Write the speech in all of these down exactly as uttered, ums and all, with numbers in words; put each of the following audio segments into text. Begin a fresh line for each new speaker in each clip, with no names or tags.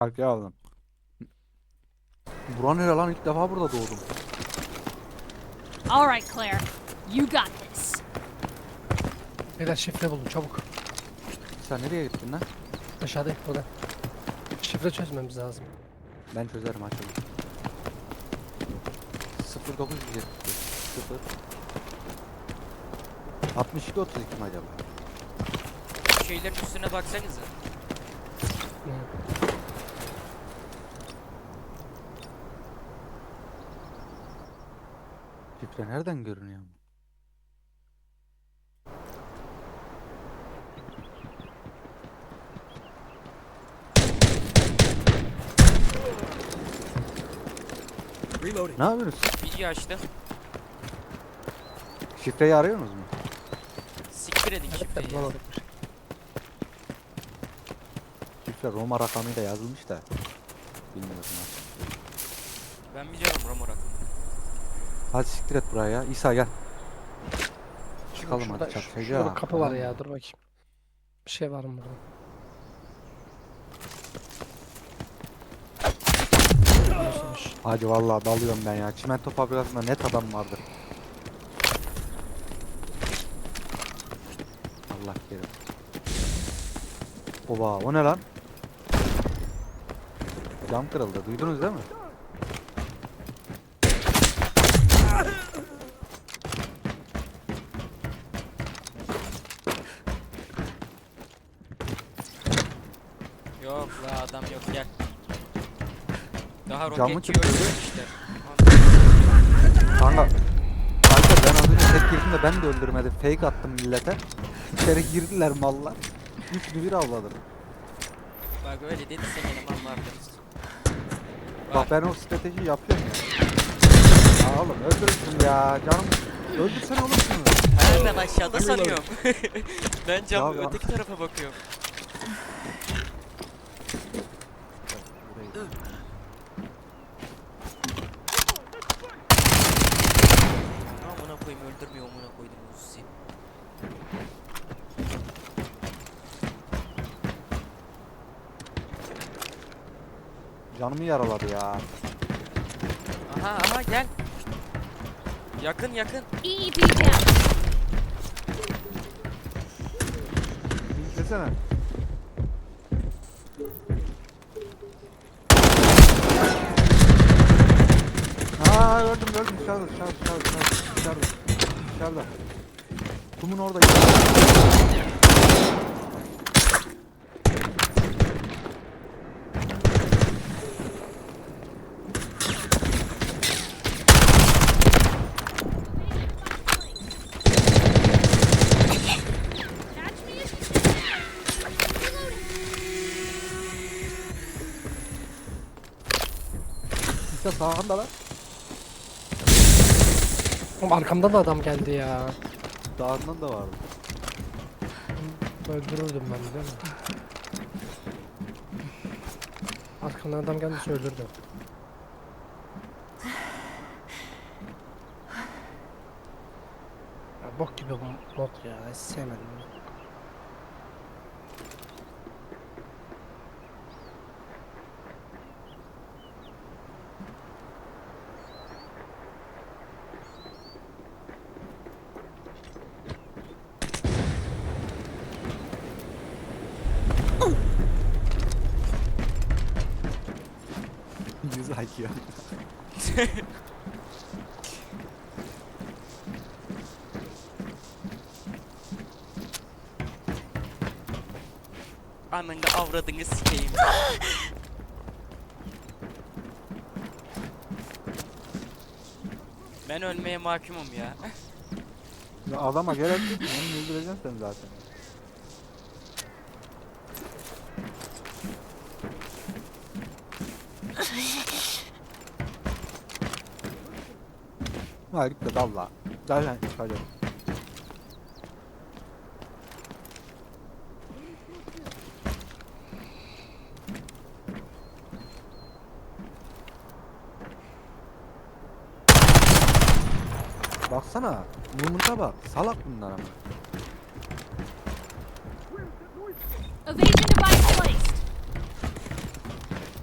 Arkaya aldım. Buran nere lan, ilk defa burada doğdum.
All right, Claire. You got this.
Beyler şifre buldum çabuk.
Sen nereye gittin lan?
Aşağıda burada. Şifre çözmemiz lazım.
Ben çözerim açalım. sıfır dokuz yüz yetmiş beş sıfır altmış iki otuz iki mi acaba?
Şeylerin üstüne baksanıza.
Hı.
Şifre nereden görünüyor? Ne yapıyorsunuz?
Video açtım.
Şifreyi arıyorsunuz mu?
Siktir edin şifreyi. ya.
Bulamadık.
Şifre Roma rakamıyla yazılmış da. Bilmiyorum nasıl.
Ben biliyorum Romorak.
Hadi siktir et buraya ya. İsa gel. Çıkalım
Şurada,
hadi çatışacağız.
şurada bir kapı var ya, dur bakayım. Bir şey var mı burada? Nasılmış?
Hadi vallahi dalıyorum ben ya. Çimento fabrikasında net adam vardır. Allah kerim. Oba o ne lan? Cam kırıldı. Duydunuz değil mi?
Yok la adam yok gel. Daha
Camı
roketçi
kırıyor.
öldü işte.
Kanka. Kanka ben az önce tek girdim de ben de öldürmedim. Fake attım millete. İçeri girdiler mallar. Üçlü bir avladım.
Bak öyle dedi sen eleman vardınız.
Bak ben o strateji yapıyorum ya. Ya oğlum öldürürsün ya. Canım öldürsene oğlum şunu.
Ha ben aşağıda sanıyorum. Ben cam
Ya, ya.
öteki tarafa bakıyorum. Amına koyayım öldürmüyor amına koydum Uzi.
Canımı yaraladı ya.
Aha aha gel. Yakın yakın.
E E P down.
Desene. Aa gördüm gördüm dışarıda dışarıda dışarıda dışarıda dışarıda dışarıda. Kumun orada.
Catch me if you can. Reloading.
İşte sağında lan.
Oğlum arkamdan da adam geldi ya.
Dağından da vardı.
Öldürürdüm ben biliyor musun? Arkamdan adam geldiyse öldürdüm. Ya bok gibi bu mod ya, hiç sevmedim.
Yüz I Q.
Anında avradını sikeyim. Ben ölmeye mahkumum ya.
Ya adama gerek yok. Onu öldüreceksin sen zaten. Ha git de dalla. Zaten çıkacak. Baksana. Yumurta bak. Salak bunlar ama.
Evasion device placed.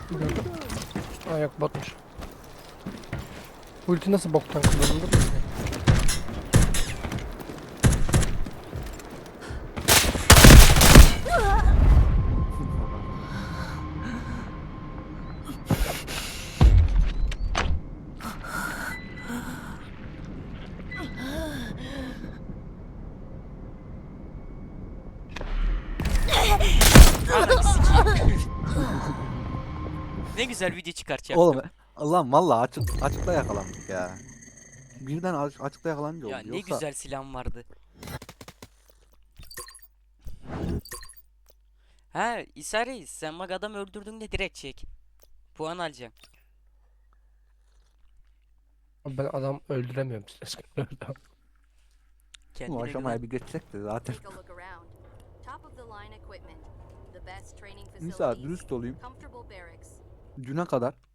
Gördüm. Aa yok botmuş. Ulti nasıl boktan kullanılır mı?
Ananı sikeyim. Ne güzel video çıkartacaktım.
Oğlum Allah'ım valla açık, açıkta yakalandık ya. Birden aç, açıkta yakalanınca oldu.
Ya ne
Yoksa
güzel silahım vardı. Ha İsa Reis, sen bak adam öldürdüğünde direkt çek. Puan alacağım.
Ben adam öldüremiyorum.
bu
Kendine
aşamaya
güven.
bir geçsek de zaten.
Take a look around. Top of the line equipment. The best training
Nisa
facilities.
dürüst olayım.
Comfortable barracks.
Düne kadar